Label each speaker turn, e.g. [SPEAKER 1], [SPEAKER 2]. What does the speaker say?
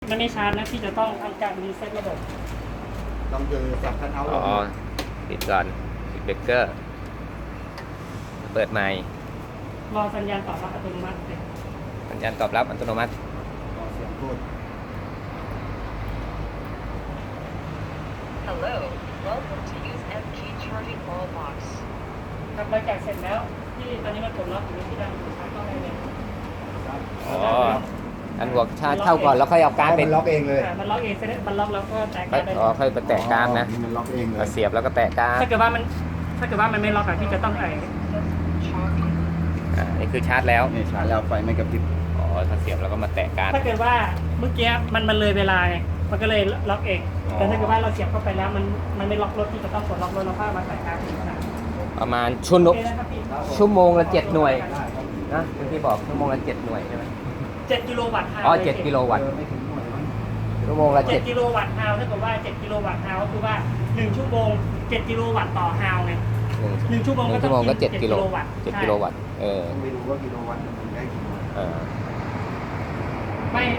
[SPEAKER 1] มันไม่ชาร์จนะที่จะต้องทำการรีเซ็ตระบบ
[SPEAKER 2] ต้องเจอสับคันเอา
[SPEAKER 3] อ๋อปิดก่อนปิดเบรกเกอร์เปิดใหม่
[SPEAKER 1] รอสัญญาณตอบรับอัตโนมัติเลย
[SPEAKER 3] สัญญาณตอบรับอัตโนมัติ
[SPEAKER 2] เสียงพูด
[SPEAKER 4] Hello, welcome to Use MG Charging Wall Box.
[SPEAKER 1] ครับหลังจากเสร็จแล้วที่ตอนนี้มันกดล็อกอยู่ที่ด้านซ้ายก็ให้เลย
[SPEAKER 3] อ๋ออันหัวชาร์จเข้าก่อนแล้วค่อยเอาการ์ดไป
[SPEAKER 2] มันล็อกเองเลย
[SPEAKER 1] มันล็อกเองเสร็จมันล็อกแล้วก็แตะการ์ดได้
[SPEAKER 3] อ๋อค่อยไปแตะการ์ดนะ
[SPEAKER 2] มันล็อกเองเลย
[SPEAKER 3] เสียบแล้วก็แตะการ์ด
[SPEAKER 1] ถ้าเกิดว่ามันไม่ล็อกอะที่จะต้อง
[SPEAKER 4] Charging.
[SPEAKER 3] นี่คือชาร์จแล้ว
[SPEAKER 2] นี่ชาร์จแล้วไฟไม่กระพริบ
[SPEAKER 3] อ๋อถ้าเสียบแล้วก็มาแตะการ์ด
[SPEAKER 1] ถ้าเกิดว่าเมื่อกี้มันเลยเวลาไงมันก็เลยล็อกเอง
[SPEAKER 3] อ๋อ
[SPEAKER 1] แต่ถ้าเกิดว่าเราเสียบเข้าไปแล้วมันไม่ล็อกรถที่จะต้องกดล็อกรถเราก็มาใส่การ์ดอีกนะ
[SPEAKER 3] ประมาณ
[SPEAKER 1] โอเคนะครับพี่
[SPEAKER 3] ชั่วโมงละ7หน่วยนะที่บอกชั่วโมงละ7หน่วยใช่ไหม
[SPEAKER 1] 7กิโลวัตต์ฮาว
[SPEAKER 3] อ๋อ7กิโลวัตต์
[SPEAKER 2] ไม่ถึงหน่วยมั้ง
[SPEAKER 3] ชั่วโมงละ
[SPEAKER 1] 7กิโลวัตต์ฮาวถ้าเกิดว่า7กิโลวัตต์ฮาวก็คือว่า1ชั่วโมง7กิโลวัตต์ต่อฮาวไง
[SPEAKER 3] 7
[SPEAKER 1] 1ชั่วโมง
[SPEAKER 3] หนึ่
[SPEAKER 1] ก็
[SPEAKER 3] ง
[SPEAKER 1] ต้
[SPEAKER 3] ชั่
[SPEAKER 1] อ
[SPEAKER 3] วโมง
[SPEAKER 1] ง
[SPEAKER 3] ก็
[SPEAKER 1] กิน
[SPEAKER 3] 7กิโล
[SPEAKER 1] วัตต์
[SPEAKER 3] 7กิโลวัตต์
[SPEAKER 2] ต้องไปดูว่ากิโลวัตต์มันได้กี่หน่วย
[SPEAKER 3] เออ
[SPEAKER 1] ไม่